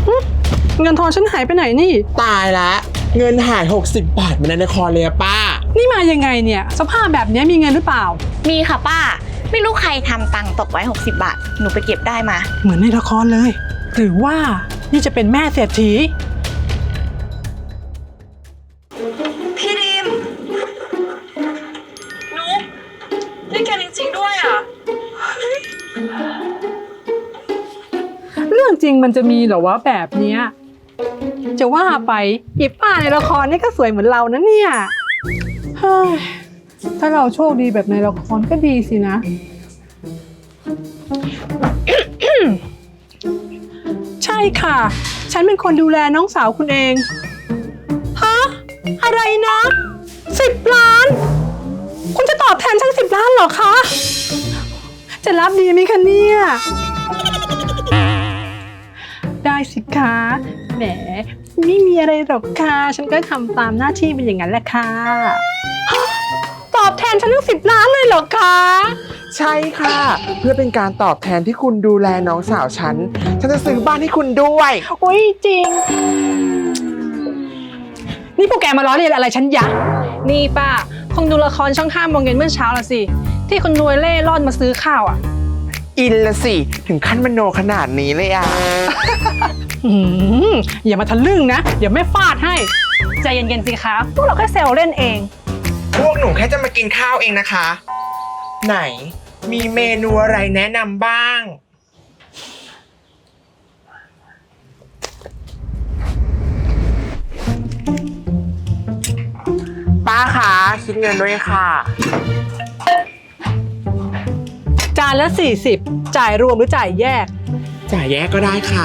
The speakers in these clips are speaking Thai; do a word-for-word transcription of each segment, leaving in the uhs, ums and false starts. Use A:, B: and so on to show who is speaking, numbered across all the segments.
A: เงินทอนฉันหายไปไหนนี่
B: ตายละเงินหายหกสิบบาทมาในละครเลยอะป้า
A: นี่มายังไงเนี่ยสภาพแบบนี้มีเงินหรือเปล่า
C: มีค่ะป้าไม่รู้ใครทำตังค์ตกไว้หกสิบบาทหนูไปเก็บได้มา
A: เหมือนในละครเลยหรือว่านี่จะเป็นแม่เศรษฐี
D: พี่ดิมนุ๊กได้แกจริงๆด้วยอ่ะ
A: เรื่องจริงมันจะมีเหรอวะแบบเนี้ยจะว่าไปอีป้าในละครนี่ก็สวยเหมือนเรานะเนี่ยเฮ้ยถ้าเราโชคดีแบบในละครก็ดีสินะ ใช่ค่ะฉันเป็นคนดูแลน้องสาวคุณเองฮะอะไรนะสิบล้านคุณจะตอบแทนฉันสิบล้านเหรอคะจะรับดีไหมคะเนี่ยได้สิคะแหมไม่มีอะไรหรอกค่ะฉันก็ทำตามหน้าที่เป็นอย่างนั้นแหละค่ะตอบแทนฉันตั้งสิบล้านเลยเหรอคะ
B: ใช่ค่ะเพื่อเป็นการตอบแทนที่คุณดูแลน้องสาวฉันฉันจะซื้อบ้านให้คุณด้วย
A: โอ้ยจริงนี่พวกแกมาล้อเลียนอะไรฉันยะนี่ป้าคงดูละครช่องห้าโมงเย็นเมื่อเช้าละสิที่คนรวยเล่ร่อนมาซื้อข้าวอ่ะ
B: อินละสิถึงขั้นมโนขนาดนี้เลยอ่ะ
A: อย่ามาทะลึ่งนะเดี๋ยวแม่ฟาดให้ใจเย็นๆสิคะพวกเราแค่แซวเล่นเอง
B: พวกหนูแค่จะมากินข้าวเองนะคะไหนมีเมนูอะไรแนะนำบ้างป้าคะคิดเงินด้วยค่ะ
A: จานละสี่สิบจ่ายรวมหรือจ่ายแยก
B: จ่ายแยกก็ได้ค่ะ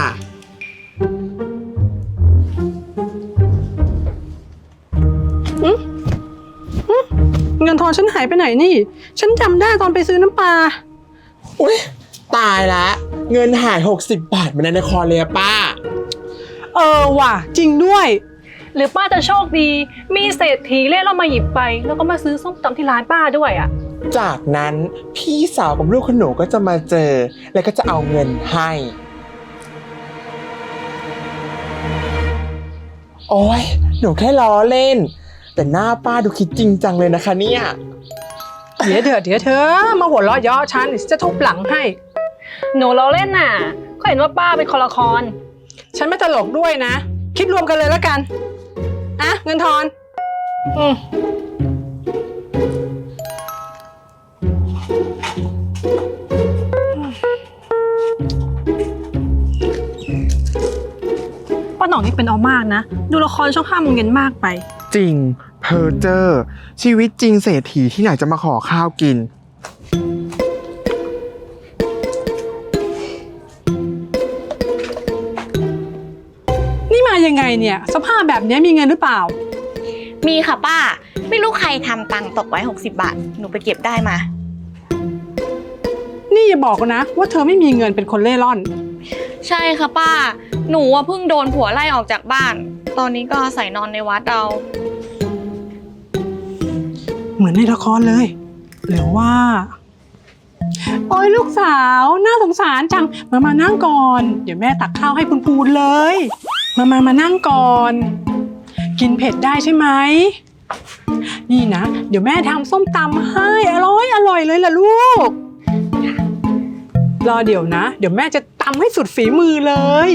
A: เงินทอนฉันหายไปไหนนี่ฉันจำได้ตอนไปซื้อน้ำปลา
B: อุ๊ยตายละเงินหายหกสิบบาทมาในละครเลยอะป้า
A: เออว่ะจริงด้วยหรือป้าจะโชคดีมีเศรษฐีเล่ร่อนมาหยิบไปแล้วก็มาซื้อส้มตำที่ร้านป้าด้วยอ่ะ
B: จากนั้นพี่สาวกับลูกขนูก็จะมาเจอแล้วก็จะเอาเงินให้โอ้ยหนูแค่ล้อเล่นแต่หน้าป้าดูคิดจริงจังเลยนะคะเนี่ย
A: เดี๋ยวเดี๋ยวเดี๋ยวเธอมาหัวเราะเยาะฉันจะทุบหลังให้หนูล้อเล่นน่ะก็เห็นว่าป้าเป็นคนละครฉันไม่ตลกด้วยนะคิดรวมกันเลยแล้วกันอ่ะเงินทอนอืมป้าหน่องนี่เป็นเอามากนะดูละครช่องห้าโมงเย็นมากไป
B: จริงเพอเจอร์ชีวิตจริงเศรษฐีที่ไหนจะมาขอข้าวกิน
A: นี่มายังไงเนี่ยสภาพแบบนี้มีเงินหรือเปล่า
C: มีค่ะป้าไม่รู้ใครทำตังค์ตกไว้หกสิบบาทหนูไปเก็บได้มา
A: นี่อย่าบอกนะว่าเธอไม่มีเงินเป็นคนเล่ร่อน
C: ใช่ค่ะป้าหนูว่าเพิ่งโดนผัวไล่ออกจากบ้านตอนนี้ก็อาศัยนอนในวัดเอา
A: เหมือนในละครเลยหรือว่าโอ้ยลูกสาวน่าสงสารจังมามานั่งก่อนเดี๋ยวแม่ตักข้าวให้พูนๆเลยมามามานั่งก่อนกินเผ็ดได้ใช่ไหมนี่นะเดี๋ยวแม่ทำส้มตำให้อร่อยอร่อยเลยล่ะลูกรอเดี๋ยวนะเดี๋ยวแม่จะตำให้สุดฝีมือเลย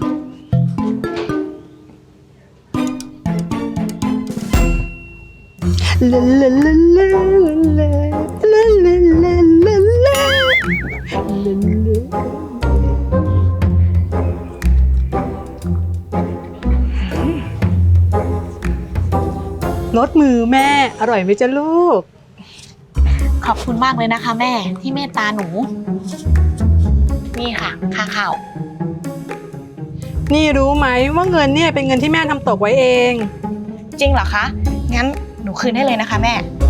A: ลาลาลาลาลาลาลาลาลาลารสมือแม่อร่อยไหมจ๊ะลูก
C: ขอบคุณมากเลยนะคะแม่ที่เมตตาหนูนี่ค่ะค่าข้าว
A: นี่รู้ไหมว่าเงินเนี่ยเป็นเงินที่แม่ทำตกไว้เอง
C: จริงเหรอคะงั้นหนูคืนให้เลยนะคะแม่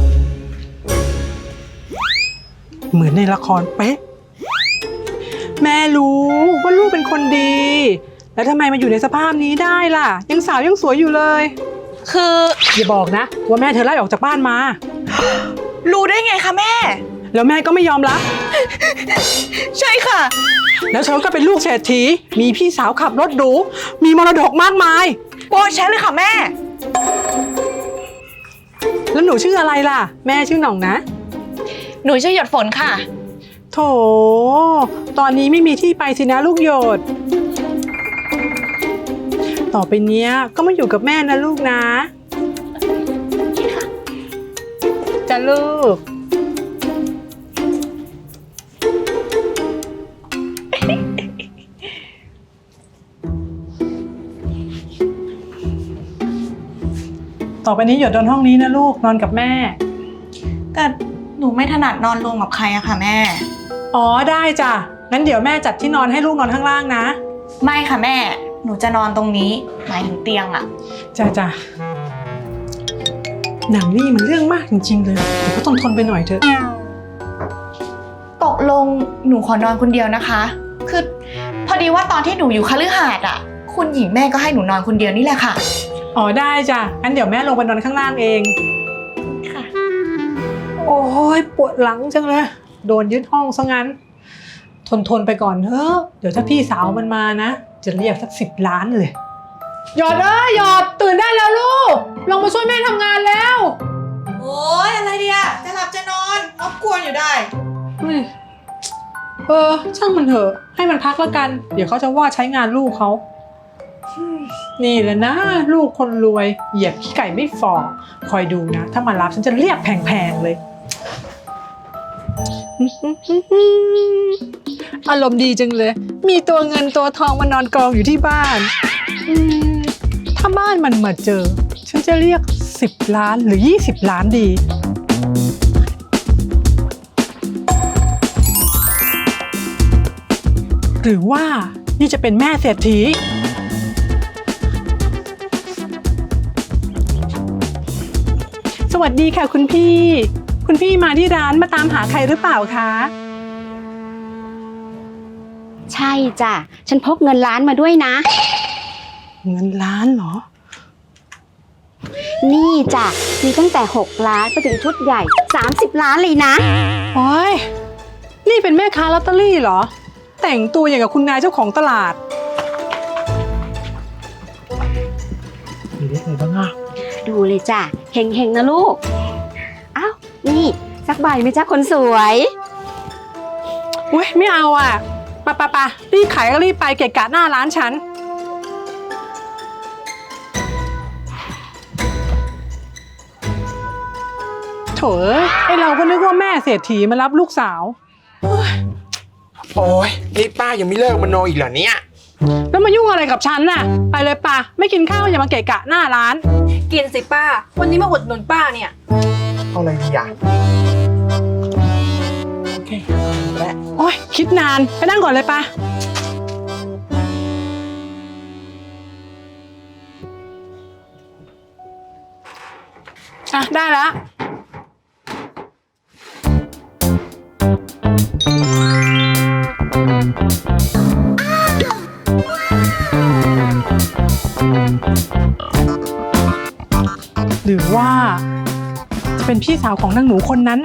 A: เหมือนในละครเป๊ะแม่รู้ว่าลูกเป็นคนดีแล้วทำไมมาอยู่ในสภาพนี้ได้ล่ะยังสาวยังสวยอยู่เลย
C: คือ
A: อย่าบอกนะว่าแม่เธอไล่ออกจากบ้านมา
C: รู้ได้ไงคะแม่
A: แล้วแม่ก็ไม่ยอมรับ
C: ใช่ค่ะ
A: แล้วเธอก็เป็นลูกเศรษฐีมีพี่สาวขับรถหรูมีมรดกมากมาย
C: โอ้ใช่เลยค่ะแม่
A: แล้วหนูชื่ออะไรล่ะแม่ชื่อหน่องนะ
C: หนูชื่อหยดฝนค่ะ
A: โถตอนนี้ไม่มีที่ไปสินะลูกหยดต่อไปเนี้ยก็มาอยู่กับแม่นะลูกนะจ้ะลูกต่อไปนี้หยดนอนห้องนี้นะลูกนอนกับแม่
C: แต่หนูไม่ถนัดนอนรวมกับใครอะค่ะแม่
A: อ๋อได้จ้ะงั้นเดี๋ยวแม่จัดที่นอนให้ลูกนอนข้างล่างนะ
C: ไม่ค่ะแม่ หนูจะนอนตรงนี้หมายถึงเตียงอะ
A: จ้ะจ้ะหนังนี่มันเรื่องมากจริงๆเลยเดี๋ยวก็ต้องทนไปหน่อยเถอะ
C: ตกลงหนูขอนอนคนเดียวนะคะ คือพอดีว่าตอนที่หนูอยู่คฤหาสน์อะคุณหญิงแม่ก็ให้หนูนอนคนเดียวนี่แหละค่ะ
A: อ๋อได้จ้ะงั้นเดี๋ยวแม่ลงไปนอนข้างล่างเอง
C: ค่ะ
A: โอ้ยปวดหลังจังเลยโดนยึดห้องซะงั้นทนทนไปก่อนเถอะเดี๋ยวถ้าพี่สาวมันมานะจะเรียกสักสิบล้านเลยหยอดเอ้ยหยอดตื่นได้แล้วลูกลงมาช่วยแม่ทำงานแล้ว
C: โอ้ยอะไรเดียจะหลับจะนอนรบกวนอยู่ได้
A: เฮ้ยเออช่างมันเถอะให้มันพักแล้วกัน เดี๋ยวเขาจะว่าใช้งานลูกเขานี่แหละนะลูกคนรวยเหยียบขี้ไก่ไม่ฝ่อคอยดูนะถ้ามารับฉันจะเรียกแพงๆเลยอารมณ์ดีจังเลยมีตัวเงินตัวทองมานอนกองอยู่ที่บ้านถ้าบ้านมันมาเจอฉันจะเรียกสิบล้านหรือยี่สิบล้านดีหรือว่านี่จะเป็นแม่เศรษฐีสวัสดีค่ะคุณพี่คุณพี่มาที่ร้านมาตามหาใครหรือเปล่าคะ
E: ใช่จ้ะฉันพกเงินล้านมาด้วยนะ
A: เงินล้านเหรอ
E: นี่จ้ะมีตั้งแต่หกล้านไปถึงชุดใหญ่สามสิบล้านเลยนะ
A: โอ้ยนี่เป็นแม่ค้าลอตเตอรี่เหรอแต่งตัวอย่างกับคุณนายเจ้าของตลาดมีเลขอะไรบ้างอ่ะ
E: ดูเลยจ้ะเฮงๆนะลูกอ้าวนี่สักใบไหมจ๊ะคนสวย
A: อุ้ยไม่เอาอ่ะปะปะปะรีบขายก็รีบไปเกะกะหน้าร้านฉันโถเอ้ยไอเราก็นึกว่าแม่เศรษฐีมารับลูกสาวเฮ้ย
B: โอ้ยนี่ป้ายังไม่เลิกมโนอีกเหรอเนี่ย
A: แล้วมายุ่งอะไรกับฉันน่ะไปเลยป่ะไม่กินข้าวอย่ามาเกะกะหน้าร้าน
D: กินสิป้า วันนี้มาอุดหนุนป้าเนี่ย
B: เอาอะไรดีอ่ะโอเคและ
A: โอ้ยคิดนานไปนั่งก่อนเลยป่ะอ่ะได้แล้วหรือว่าจะเป็นพี่สาวของนางหนูคนนั้น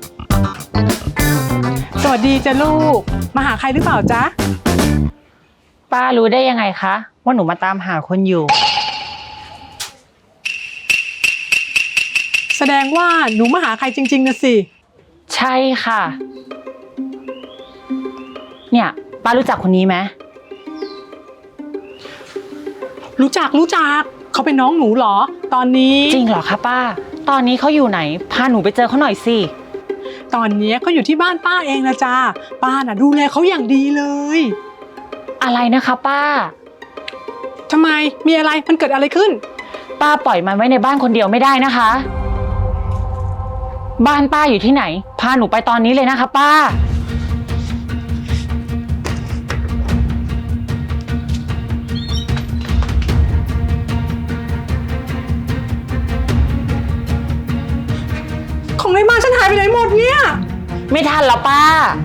A: สวัสดีจ้ะลูกมาหาใครหรือเปล่าจ๊ะ
F: ป้ารู้ได้ยังไงคะว่าหนูมาตามหาคนอยู่
A: แสดงว่าหนูมาหาใครจริงๆนะสิ
F: ใช่ค่ะ เนี่ยป้ารู้จักคนนี้ไหม
A: รู้จักรู้จักเขาเป็นน้องหนูเหรอตอนนี้
F: จริงเหรอคะป้า ตอนนี้เขาอยู่ไหนพาหนูไปเจอเขาหน่อยสิ
A: ตอนนี้เขาอยู่ที่บ้านป้าเองนะจ๊ะป้าน่ะดูแลเขาอย่างดีเลย
F: อะไรนะคะป้า
A: ทำไมมีอะไรมันเกิดอะไรขึ้น
F: ป้าปล่อยมันไว้ในบ้านคนเดียวไม่ได้นะคะ บ้านป้าอยู่ที่ไหนพาหนูไปตอนนี้เลยนะคะป้า
A: ของในบ้านฉันหายไปไหนหมดเนี่ย
F: ไม่ทันแล้วป้า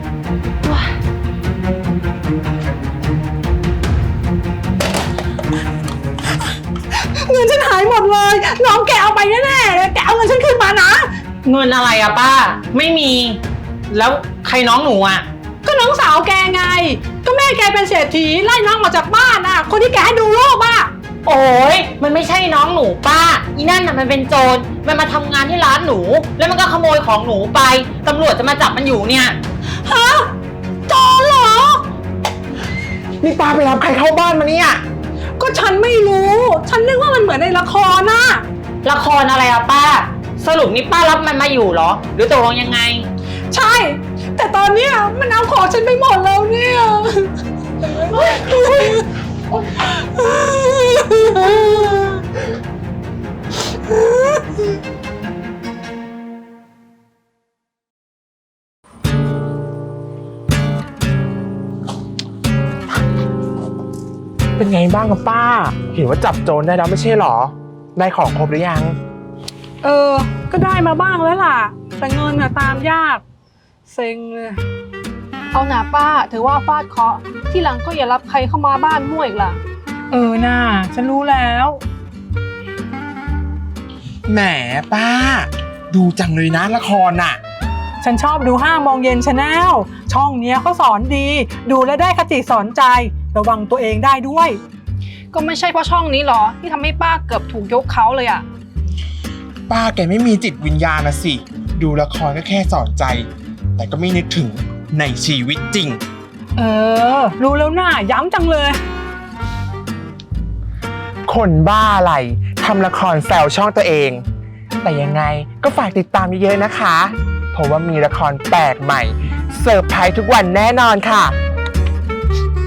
A: เงินฉันหายหมดเลยน้องแกเอาไปแน่ๆเลยแกเอาเงินฉันคืนมานะ
F: เงินอะไรอะป้า ไม่มี แล้วใครน้องหนูอะ
A: ก็น้องสาวแกไง ก็แม่ม่แกเป็นเศรษฐีไล่น้องออกจากบ้านน่ะ คนที่แกให้ดูรูปอ่ะ
F: โอ้ยมันไม่ใช่น้องหนูป้าอีนั่นน่ะมันเป็นโจรมันมาทำงานที่ร้านหนู แล้วมันก็ขโมยของหนูไปตำรวจจะมาจับมันอยู่เนี่ย
A: ฮะโจรเหรอ
B: นี่ป้าไปรับใครเข้าบ้านมาเนี่ย
A: ก็ฉันไม่รู้ ฉันนึกว่ามันเหมือนในละครน่ะ
F: ละครอะไรอะป้า สรุปนี่ป้ารับมันมาอยู่เหรอ หรือตกลงยังไง
A: ใช่ แต่ตอนเนี้ยมันเอาของฉันไปหมดแล้วเนี่ย
B: เป็นไงบ้างกับป้า เห็นว่าจับโจรได้แล้วไม่ใช่หรอ ได้ของครบหรือยัง
A: เออ ก็ได้มาบ้างแล้วล่ะ แต่เงินน่ะตามยาก เซ็งเลย
D: เอาหนาป้าถือว่าฟาดเคราะห์ที่หลังก็อย่ารับใครเข้ามาบ้านมั่วอีกล่ะ
A: เออน่าฉันรู้แล้ว
B: แหมป้า ดูจังเลยนะละครน่ะ
A: ฉันชอบดูห้าโมงเย็นชาแนลช่องเนี้ยเขาสอนดี ดูแล้วได้คติสอนใจ ระวังตัวเองได้ด้วย
D: ก็ไม่ใช่เพราะช่องนี้หรอที่ทำให้ป้าเกือบถูกยกเขาเลยอะ
B: ป้าแกไม่มีจิตวิญญาณนะสิ ดูละครก็แค่สอนใจ แต่ก็ไม่นึกถึงในชีวิตจริง
A: เออ รู้แล้วน่าย้ำจังเลย
B: คนบ้าอะไรทำละครแซวช่องตัวเอง แต่ยังไงก็ฝากติดตามเยอะๆนะคะ เพราะว่ามีละครแปลกใหม่ เสิร์ฟไพรส์ทุกวันแน่นอนค่ะ